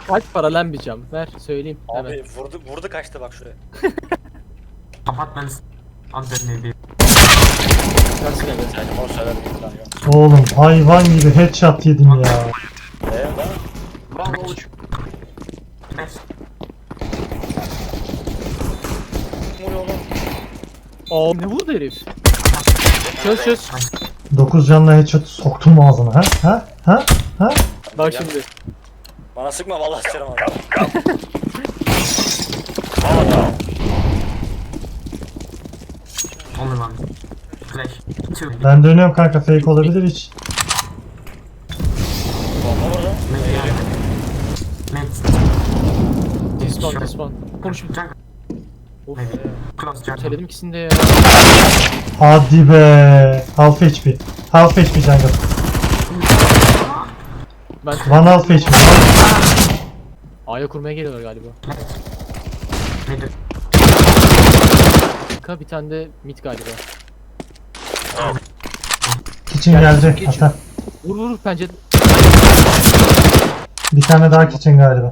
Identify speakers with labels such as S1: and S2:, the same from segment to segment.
S1: Kaç para lan bir cam? Ver söyleyeyim hemen.
S2: Abi vurdu kaçtı bak şuraya.
S3: Apartments under maybe.
S1: Kaç lira ver?
S2: Sen onu söyledim bir tane yok.
S4: Oğlum hayvan gibi headshot yedim ya.
S2: Değil mi?
S3: One watch. Yes.
S2: Vuruyor oğlum.
S1: Aa ne vurdu herif? Çöz.
S4: 9 canla headshot soktum ağzına ha? Ha?
S1: Bak şimdi.
S2: Bana sıkma vallahi sıçarım abi.
S3: Only one. Flash. Two.
S4: Ben dönüyorum kanka, fake olabilir hiç.
S2: Bomba vurdu.
S3: Maybe
S2: Geliyor.
S3: Maybe.
S1: Disman. Konuş.
S3: Jungle.
S1: Of.
S3: Maybe. Close jungle.
S1: Söyledim ikisini de ya.
S4: Hadi be. Half HP. Half HP jungle.
S1: Ben
S4: One half HP.
S1: A'ya kurmaya geliyorlar galiba.
S3: Middle.
S1: Bir tane de mid galiba.
S4: Kitchen geldi. Ata.
S1: Vur pencere.
S4: Bir tane daha kitchen galiba.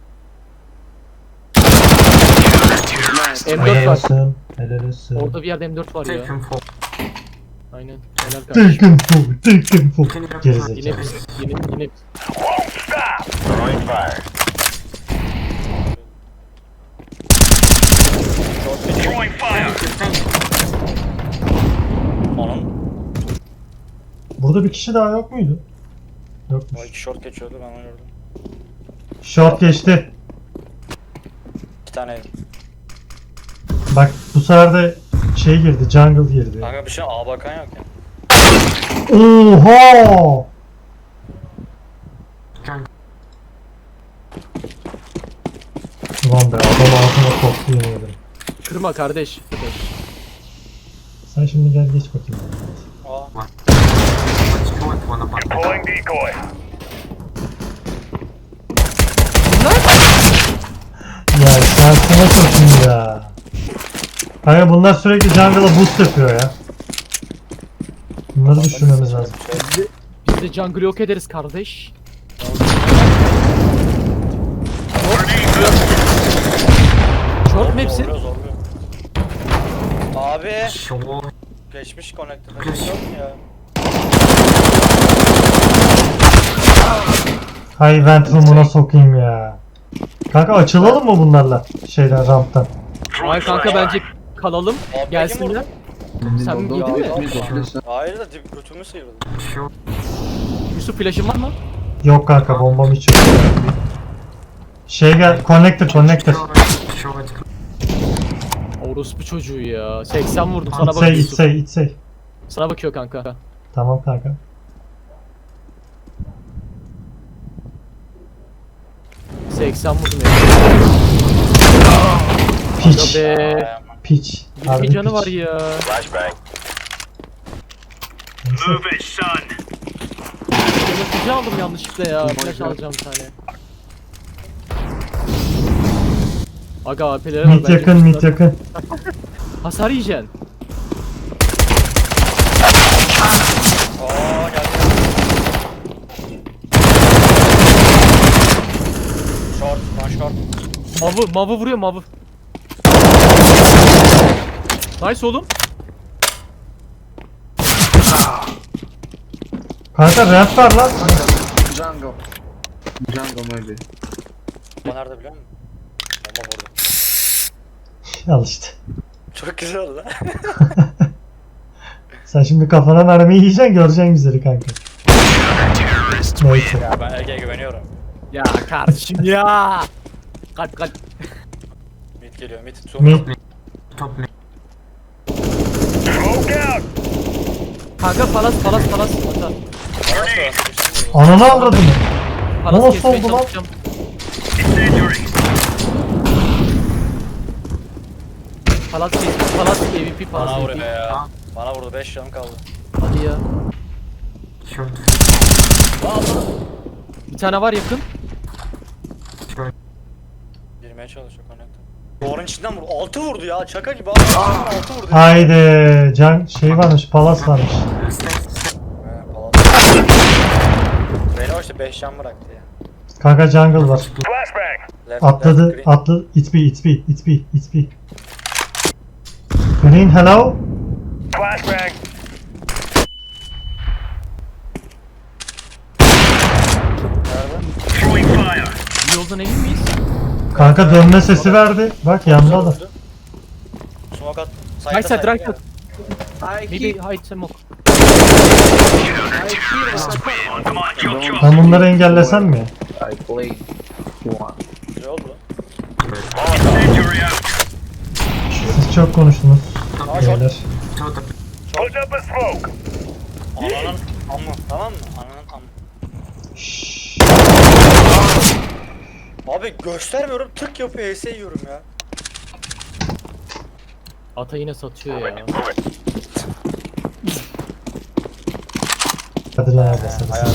S1: M4
S4: Helal
S1: var.
S4: olsun. Helal olsun.
S1: Orada bir yerde M4 var
S3: Take
S1: ya.
S3: him for.
S1: Aynen. Helal kardeşim.
S4: Taken full. Taken full.
S3: Can you
S1: Yine
S4: Gerizekalı.
S1: biz. Yine biz.
S2: Onun.
S4: Burada bir kişi daha yok muydu?
S2: O
S4: Yokmuş.
S2: iki short geçiyordu ben onu gördüm.
S4: Short geçti.
S2: 2 tane.
S4: Bak bu sefer de şey girdi, jungle girdi.
S2: Kanka bir şey A bakan yok ya.
S4: Oha!
S3: Jungle.
S4: Ulan be, adam ağzına koktu yemin ederim.
S1: Kırma kardeş.
S4: Sen şimdi gel geç bakayım.
S2: A.
S3: Let's go at one apartment.
S4: Ya şansına sokayım ya. Kanka bunlar sürekli jungle'a boost yapıyor ya. Bunları düşünmemiz lazım.
S1: Biz de jungle yok ederiz kardeş. Short mu hepsi?
S2: Zorluyor. Abi.
S3: Sure.
S2: Geçmiş connector.
S3: Geç.
S2: Yok mu ya?
S4: Hay vent room'una sokayım ya. Kanka açılalım mı bunlarla? Şeyden, ramptan.
S1: Ay kanka bence kalalım.
S2: Abi,
S1: Gelsinler. Sen
S2: Ya,
S1: yedin mi?
S2: Hayır da götümü sıyırdı.
S3: Sure.
S1: Yusuf flash'ın var mı?
S4: Yok kanka, bombam hiç yok. Şey gel, connector.
S3: Sure. Sure. It's
S1: Orospu çocuğu ya. 80 vurdum sana
S4: İtsey,
S1: bakıyor Yusuf.
S4: itsey.
S1: Sana bakıyor kanka.
S4: Tamam kanka.
S1: — 80 vurdum ya.
S4: Piç.
S1: Be.
S4: Piç.
S1: 20 canı var ya. Yönetici aldım yanlışlıkla ya. Flash alacağım bir tane. Aga AP'lere var.
S4: Mid
S1: bence
S4: yakın, mid yakın.
S1: Hasar yiyeceksin.
S2: Aa geldi. Short, one short.
S1: Mavı vuruyor mavı. Nice oğlum.
S4: Kanka ramp var lan.
S5: Jungle. Jungle maybe.
S2: O nerede biliyor musun? Bomba vurdu.
S4: Al işte.
S2: Çok güzel oldu lan.
S4: Sen şimdi kafana mermiyi yiyeceksin, göreceksin güzeli kanka. Neyse.
S2: Ya ben Ege'ye güveniyorum.
S1: Ya kardeşim ya. Kalp.
S2: Mid geliyor, mid.
S4: Mid.
S3: top mid.
S1: Kanka palas. Hatta.
S4: Ananı avradını.
S1: Palas
S4: Nasıl
S1: kesmeye
S4: oldu lan?
S1: çalışacağım. Palas MVP
S2: Bana
S1: palas
S2: vuruyor
S1: MVP.
S2: ya. Bana vurdu, 5 canım kaldı.
S1: Hadi ya.
S3: Short.
S1: Bir tane var yakın.
S3: Sure.
S2: Girmeye çalışıyor connector. Duvarın içinden vurdu. 6 vurdu ya, şaka gibi abi. 6 vurdu.
S4: Haydi. Can şey varmış, palas varmış.
S3: Stay.
S2: He, palas. Beni o işte 5 can bıraktı ya.
S4: Kanka jungle var.
S2: Left,
S4: Atladı,
S2: left, green.
S4: atladı. It's B, it's B, it's B, it's B. Green, hello?
S2: Nerede?
S1: Yoldan emin miyiz?
S4: Kanka dönme sesi verdi. Bak yanında da.
S2: Smoke at.
S1: Right side, right side.
S5: I
S1: Maybe hide smoke.
S4: Ben bunları engellesem mi?
S5: I played one.
S2: Ne oldu lan?
S4: Siz çok konuştunuz.
S2: Aa, short.
S4: Beyler.
S3: Short up.
S2: Ananın amı. Tamam mı? Ananın amı.
S4: Şşş.
S2: Abi göstermiyorum. Tık yapıyor. HS yiyorum ya.
S1: Ata yine satıyor ya.
S4: Hadi lan hadi sen.
S2: Hayal.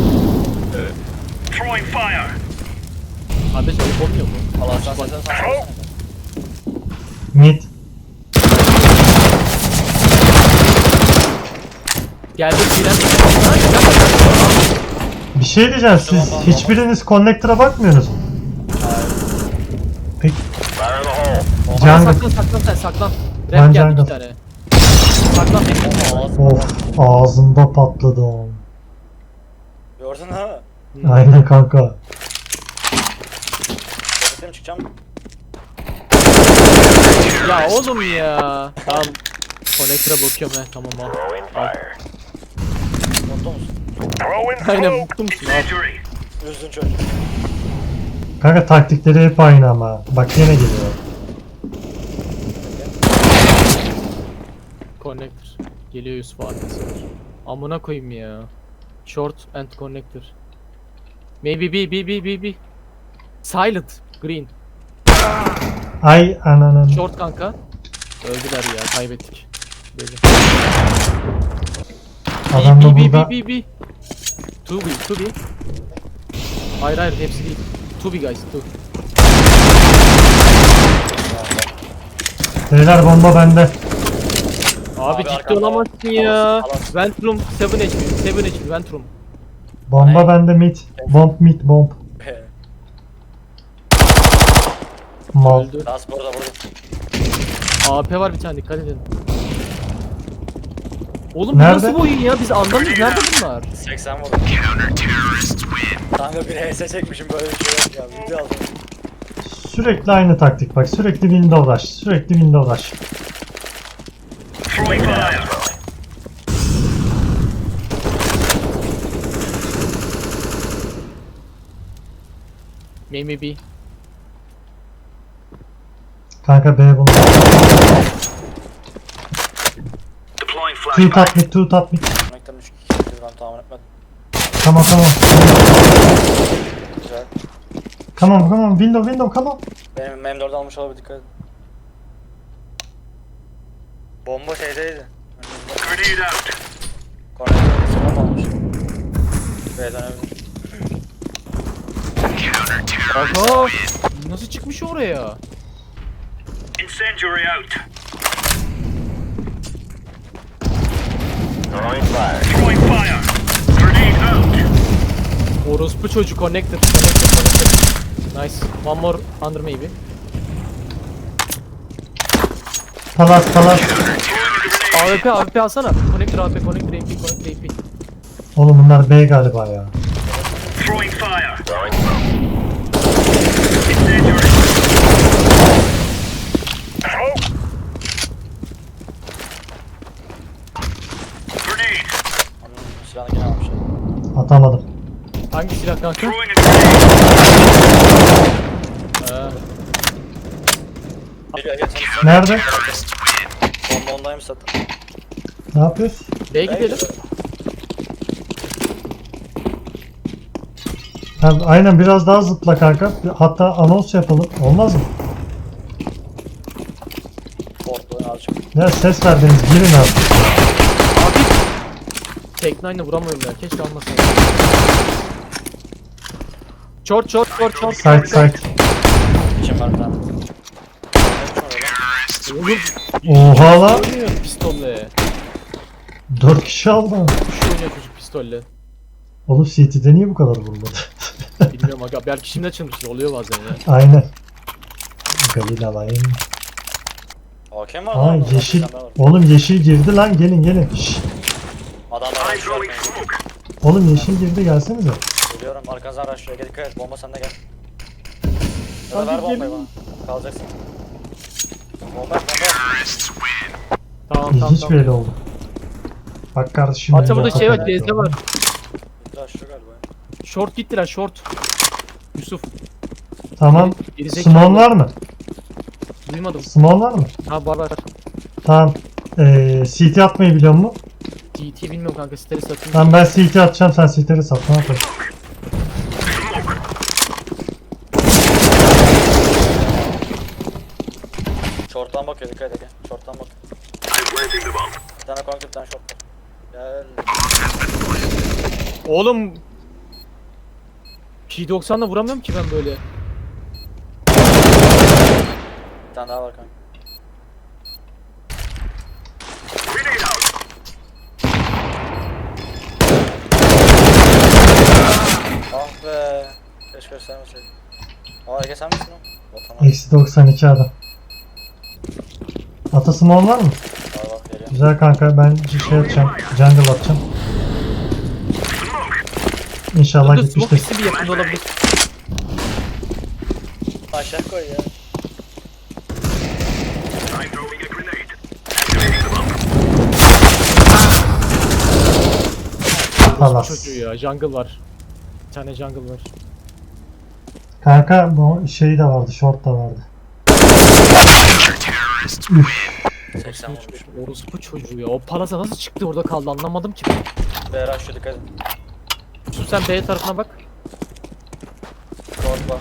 S1: Kardeş ayıp olmuyor mu?
S2: Allah sen sen.
S4: Mid.
S1: Geldi filan.
S4: Bir şey diyeceğim. Siz hiçbiriniz connector'a bakmıyorsunuz mu? Peki. Jungle.
S1: Saklan saklan sen saklan.
S4: Ben
S1: Rap geldi
S4: jungle.
S1: 2 tane. Saklan tek.
S4: Of ağzında patladı o.
S2: Gördün ha?
S4: Aynen kanka.
S2: Bekletim çıkacağım.
S1: Ya oğlum ya. Tamam. Connector'a bakıyorum he tamam al.
S2: Mutlu musun?
S1: Aynen mutlu musun abi?
S2: Üzdün çocuk.
S4: Kanka taktikleri hep aynı ama. Bak yine geliyor.
S1: Connector. Geliyor Yusuf abi. Amına koyayım ya. Short and connector. Maybe B. Silent. Green.
S4: Ay ananın.
S1: Short kanka. Öldüler ya kaybettik. Böyle.
S4: Adam da burada.
S1: B. 2B. Hayır hepsi değil. 2B guys 2.
S4: Beyler bomba bende.
S1: Abi ciddi
S2: arkanda
S1: olamazsın ya.
S2: alas.
S1: Ventrum 7 HP. Ventrum.
S4: Bomba bende mid. Bomb. Mal.
S1: Öldü.
S2: Last burada.
S1: AP var bir tane dikkat edin. Oğlum bu
S4: Nerede?
S1: nasıl bir oyun ya? Biz anlamıyoruz. Nerede bunlar?
S2: 80 vurdum. Kanka bir HS çekmişim böyle bir şey yok ya. Video aldım.
S4: Sürekli aynı taktik bak. Sürekli window rush. Sürekli window rush.
S1: Maybe B.
S4: Kanka B bunu. Two top mid.
S2: Connector'ın 3 kişidir ben tahmin etmedim.
S4: Tamam.
S2: Güzel.
S4: Come on. Window, come on.
S2: Benim M4'ü almış olabilir dikkat edin. Bomba şeydeydi. Connector'ın bomba almış. B'den öldü.
S1: Aha! Nasıl çıkmış oraya?
S6: Incendiary out. Throwing fire. Grenade out.
S1: Orospu çocuk connected. Nice. One more under maybe.
S4: Palas.
S1: AWP alsana. Connector AP.
S4: Oğlum bunlar B galiba ya.
S6: Throwing fire. Incendiary. Grenade.
S2: Onun silahını gene almış.
S4: Atamadım.
S1: Hangi silah kanka?
S6: Throwing a grenade.
S2: Gel sen.
S4: Nerede?
S2: Bomba ondaymış zaten.
S4: Ne yapıyoruz?
S1: B'ye gidelim.
S4: Ha, aynen biraz daha zıpla kanka. Hatta anons yapalım. Olmaz mı?
S2: Portlu azıcık.
S4: Ya ses verdiniz. Girin abi.
S1: Abi. Tek 9'la vuramıyorum ya. Keşke almasaydım. Short.
S4: Side.
S2: İçim var bir tane.
S1: Oğlum.
S4: Oha la.
S1: Oynuyor pistolle.
S4: 4 kişi aldı.
S1: Kuş oynuyor çocuk pistolle.
S4: Oğlum CT'de niye bu kadar vurmadı?
S1: Bilmiyorum. bilmiyorum aga. Belki şimdi açılmıştır. Oluyor bazen ya.
S4: Aynen. Galil alayım.
S2: Hakem var
S4: Aa
S2: lan.
S4: yeşil. Oğlum yeşil girdi lan, gelin gelin. Şşş.
S2: Adamlar
S6: I'm
S2: araştırıyor.
S6: throwing smoke.
S4: Oğlum yeşil girdi, gelsenize.
S2: Geliyorum arkanızdan araştırıyor. Gel dikkat et. Bomba sende gel. Ya da ver
S1: Hadi
S2: bombayı
S1: gelin.
S2: bana. Kalacaksın. Bomba bomba.
S1: Tamam
S4: İlginç
S1: tamam.
S4: bir el oldu. Bak kardeşim.
S1: Hatta
S4: benim
S1: burada şey var.
S4: hakikaten-
S1: Gezde var.
S2: Bitti aşağı galiba ya.
S1: Short gittiler short. Yusuf.
S4: Tamam.
S1: Gerizekalı.
S4: Small var mı?
S1: Duymadım.
S4: Small var mı?
S1: Ha var.
S4: Tamam. CT atmayı biliyor musun?
S1: GT bilmiyorum kanka. Steri satayım.
S4: Tamam ben CT atacağım, sen CT'leri sat. Ne yapalım?
S2: Short'tan bakıyor dikkat et. Gel. Short'tan bak.
S6: I'm planting the bomb.
S2: Bir tane konk bir tane short. Gel.
S1: Oğlum. P90'la vuramıyorum ki ben böyle.
S2: Bir tane daha var kanka.
S6: Grenade out.
S2: Ah be. Keşke göstermeseydim. Aa Ege sen misin o? Vatan
S4: Eksi 92 adam. Ata small var mı?
S2: abi bak geliyor.
S4: Güzel kanka, ben şey atacağım. Jungle atacağım. İnşallah
S1: Burada smoke
S4: gitmiştir.
S1: hissi bir yakında olabilir.
S2: Aşağı koy ya.
S6: I'm throwing a grenade. Activating the bomb.
S4: Palas.
S1: Çocuğu ya. Jungle var. Bir tane jungle var.
S4: Kanka bu şey de vardı, short da vardı.
S2: 80 vurmuş.
S1: Orospu çocuğu ya. O palasa nasıl çıktı orada kaldı anlamadım ki.
S2: Beyler aşağı dikkat et.
S1: Yusuf sen B tarafına bak.
S2: Short bak.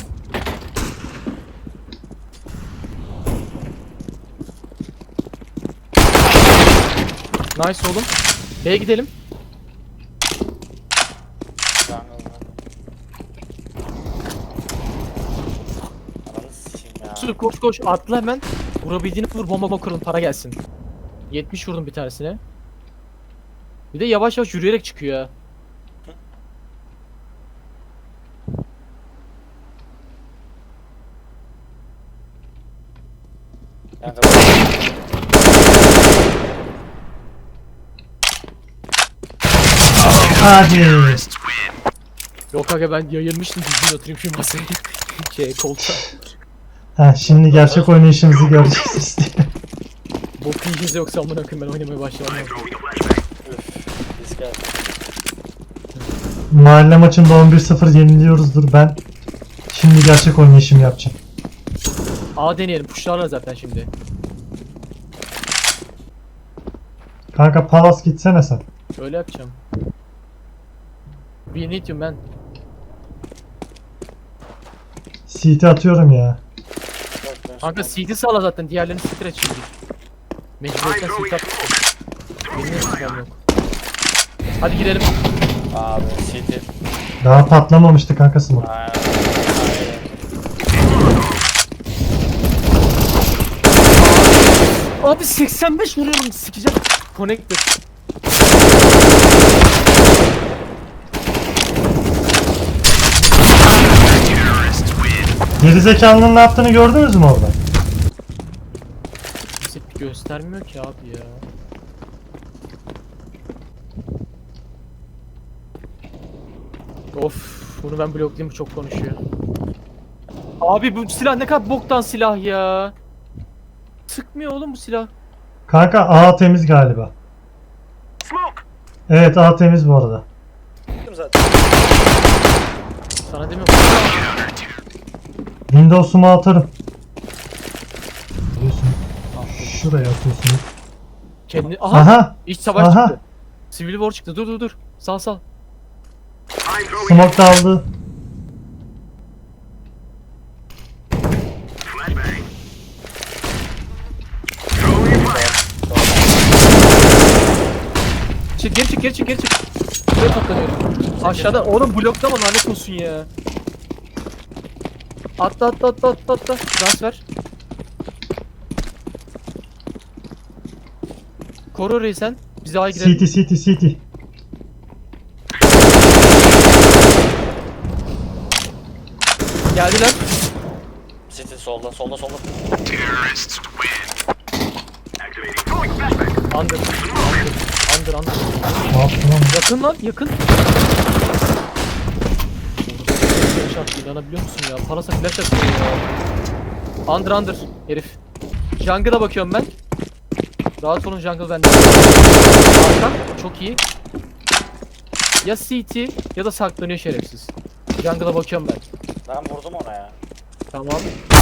S1: Nice oğlum. B'ye gidelim.
S2: Jungle var. Ananı sikeyim ya.
S1: Yusuf koş koş atla hemen. Vurabildiğini vur bomba kırın para gelsin. 70 vurdum bir tanesine. Bir de yavaş yavaş yürüyerek çıkıyor ya.
S2: Kanka
S4: Hadi.
S1: Yok aga ben yayılmıştım düzgün oturayım şu masaya. Koltuğa.
S4: Ha şimdi gerçek oynayışımızı göreceğiz diye.
S1: Bok yiyeceğiz yoksa amına koyayım ben oynamaya başlamam.
S6: I'm throwing a flashbang.
S2: risk geldi.
S4: Mahalle maçında 11-0 yeniliyoruzdur ben. Şimdi gerçek oynayışımı yapacağım.
S1: A deneyelim pushlarlar zaten şimdi.
S4: Kanka Palas gitsene sen.
S1: Öyle yapacağım. We need you man.
S4: CT atıyorum ya.
S2: Bak, ben
S1: Kanka
S2: son-
S1: CT sağla zaten diğerlerini stretch şimdi. Mecburiyetten
S6: I'm throwing
S1: CT at.
S6: smoke.
S1: Benim yapacağım yok. Hadi girelim.
S2: Abi CT.
S4: Daha patlamamıştı kanka smoke.
S2: Aynen.
S1: Abi 85 vuruyorum sikeceğim. Connected.
S4: Gerizekalının ne yaptığını gördünüz mü orada?
S1: Bize göstermiyor ki abi ya. Of, bunu ben bloklayayım bu çok konuşuyor. Abi bu silah ne kadar boktan silah ya. Sıkmıyor oğlum bu silah.
S4: Kanka A temiz galiba.
S6: Smoke.
S4: Evet A temiz bu arada.
S2: Gittim zaten.
S1: Sana demiyorum.
S4: Windows'umu atarım. Biliyorsun. Şuraya atıyorsun.
S1: Kendi aha,
S4: Aha!
S1: iç savaş
S4: aha.
S1: çıktı. Civil War çıktı. Dur. Sal.
S6: I'm throwing
S4: Smoke da aldı.
S6: flashbang. Throwing fire.
S1: Geri çık. Buraya toplanıyorum. Aşağıda oğlum bloklama lanet olsun ya. Atla. Transfer. Koru orayı sen. Bize A'ya girelim.
S4: CT.
S1: Geldiler.
S2: City solda.
S6: Terrorists win. Activating. Throwing flashbang.
S1: Under. Under.
S4: Ne yaptın lan?
S1: Yakın lan yakın. Flash attı, inanabiliyor musun ya? Parasa flash atıyor ya. Under herif. Jungle'a bakıyorum ben. Rahat olun, jungle bende. Arka çok iyi. Ya CT ya da saklanıyor şerefsiz. Jungle'a bakıyorum ben.
S2: Ben vurdum ona ya.
S1: Tamam.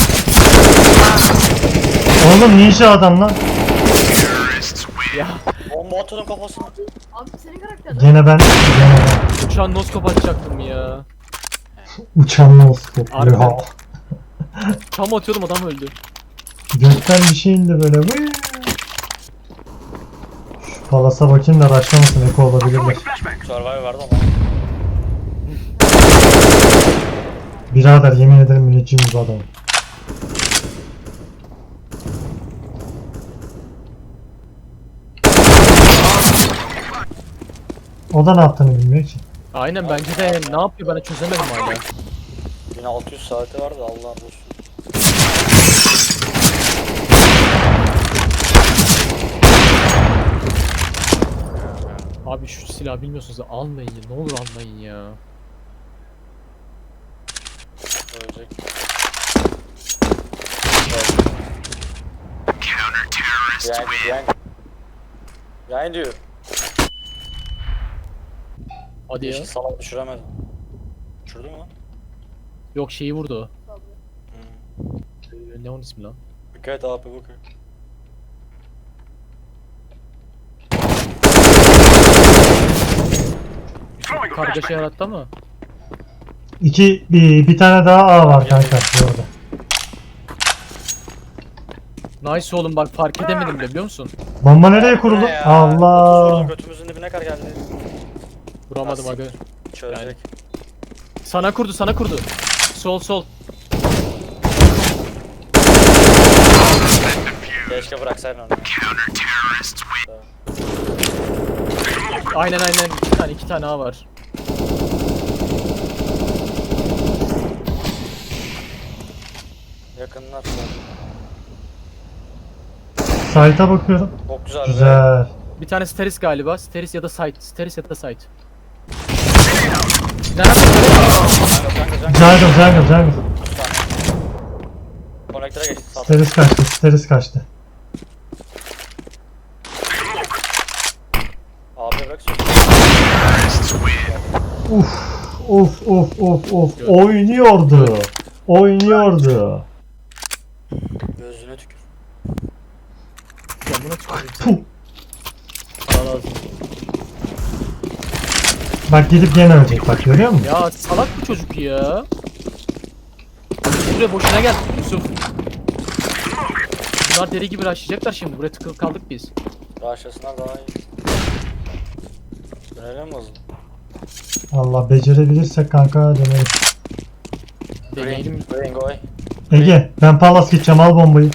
S4: Oğlum ninja adam lan.
S6: Terrorists win.
S1: Ya
S2: Bomba atıyordum kafasına.
S7: Abi senin karakter.
S4: Gene ben.
S1: uçan noskop atacaktım ya.
S4: Uçan noskop.
S1: Harbiden.
S4: Ya.
S1: Tam atıyordum, adam öldü.
S4: Gökten bir şey indi böyle. Vıy. Şu palasa bakayım da başlamasın. Eko olabilirler.
S6: Throwing flashbang.
S2: Survivor vardı ama.
S4: Birader yemin ederim müneccim bu adam. O da ne yaptığını bilmiyor ki.
S1: Aynen, bence de ne yapıyor ben de çözemedim hala.
S2: 1600 saati vardı, Allah olsun.
S1: Abi şu silahı bilmiyorsunuz da almayın ya, ne olur almayın ya.
S2: Ölecek.
S6: Counter terrorists win.
S2: Yani diyor.
S1: Hadi ya.
S2: Hiç salak düşüremedim. Düşürdü mü lan?
S1: Yok, şeyi vurdu.
S2: Hmm.
S1: Ne onun ismi lan?
S2: Dikkat et abi bakıyor.
S6: Throwing a
S1: Kargaşa
S6: flashbang.
S1: yarattı ama.
S4: Bir tane daha A var kanka bu arada.
S1: Nice oğlum, bak fark edemedim bile, biliyor musun?
S4: Bomba nereye kuruldu?
S2: Ne ya?
S4: Allah.
S2: 30 vurdum, götümüzün dibine kadar geldi.
S1: Vuramadım aga.
S2: Çözecek.
S1: Sana kurdu. Sol.
S2: Keşke bıraksaydın onu.
S6: Counter terrorists win.
S1: Aynen. İki tane A var.
S2: Yakınlar.
S4: Site'a bakıyorum.
S2: Çok güzel. Be.
S4: Güzel.
S1: Bir tane Steris galiba. Steris ya da Site. Nerede?
S4: Jungle.
S2: Konektöre geçti. Sat.
S4: Steris kaçtı.
S2: Abi bırak söz.
S6: Terrorists win.
S4: Of. Oynuyordu.
S2: Gözüne tükür.
S1: Camına tüküreyim.
S4: Puh.
S1: Para lazım.
S4: Bak gidip gene ölecek bak, görüyor musun?
S1: Ya salak bu çocuk ya. Buraya boşuna gel Yusuf. Bunlar deli gibi rushlayacaklar şimdi. Buraya tıkılıp kaldık biz.
S2: Rahatsızlar daha iyi. Dönelim mi hızlı?
S4: Allah becerebilirsek kanka deneriz.
S1: Deneyelim.
S2: Green go.
S4: Ege ben Palas gideceğim, al bombayı.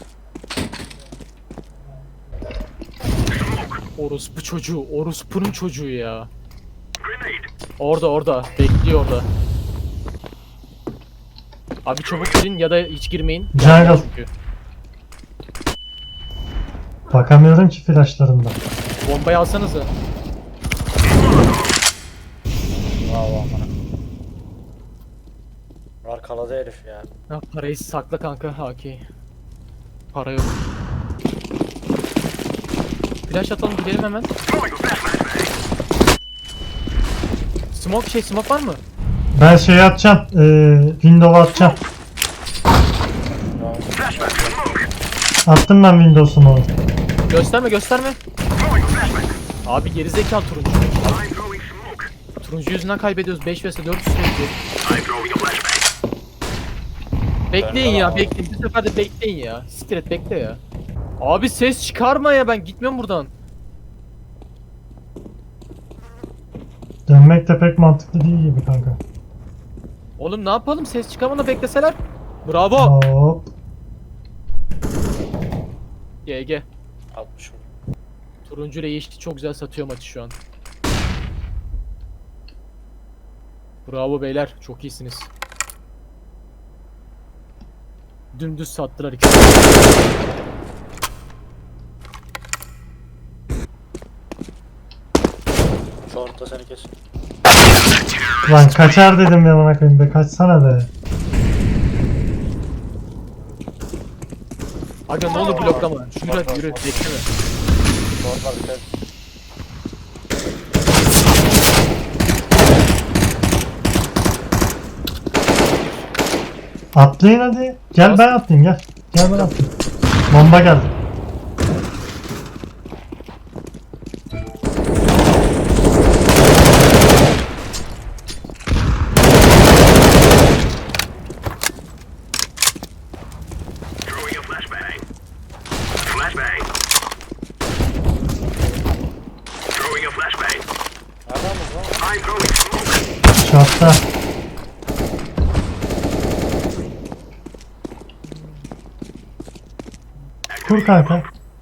S1: Orospunun çocuğu ya.
S6: Grenade.
S1: Orada. Bekliyor orada. Abi çabuk girin ya da hiç girmeyin.
S4: Jungle.
S1: Çünkü.
S4: Bakamıyorum ki flashlarından.
S1: Bombayı alsanıza.
S2: Bravo amına. Arkaladı herif ya.
S1: Ha, parayı sakla kanka Haki. Para yok. Flash atalım, gidelim hemen.
S6: Throwing a flashbang.
S1: Smoke var mı?
S4: Ben şey atacağım. Window'a atacağım.
S2: Bravo.
S6: Flashbang. Smoke.
S4: Attım ben Windows'umu.
S1: Gösterme.
S6: Throwing a flashbang.
S1: Abi gerizekalı turuncu.
S6: I'm throwing smoke.
S1: Turuncu yüzünden kaybediyoruz. 5 vs 4 sürekli.
S6: I'm throwing a flashbang.
S1: Bekleyin ya, bekleyin. Bu sefer de bekleyin ya. Siktir et, bekle ya. Abi ses çıkarma ya, ben gitmiyorum buradan.
S4: Dönmek de pek mantıklı değil gibi kanka.
S1: Oğlum ne yapalım, ses çıkarmadan bekleseler. Bravo.
S4: Hop.
S1: GG.
S2: 60 vurdum.
S1: Turuncu ile yeşil çok güzel satıyor maçı şu an. Bravo beyler, çok iyisiniz. Dümdüz sattılar ikisi.
S2: Short'ta seni kes.
S4: Lan kaçar dedim ya bana koyayım be, kaçsana be.
S1: Aga ne olur bloklama. Yürü hadi yürü. Bekleme.
S2: Short var dikkat et.
S4: Atlayın hadi. Gel ben atlayayım gel. Gel ben atlayayım. Bomba geldi.
S6: Throwing a flashbang. Flashbang. Throwing a flashbang.
S2: Nereden buldun lan?
S6: I'm throwing smoke.
S4: Şortta. Kur kanka.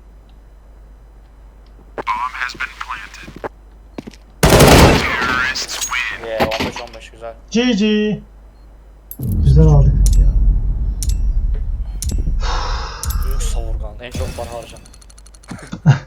S6: Bomb has been planted. Terrorists win.
S2: Yeah 15-15 güzel.
S4: GG. Güzel aldık.
S2: Büyük savurgan. En çok para harcan.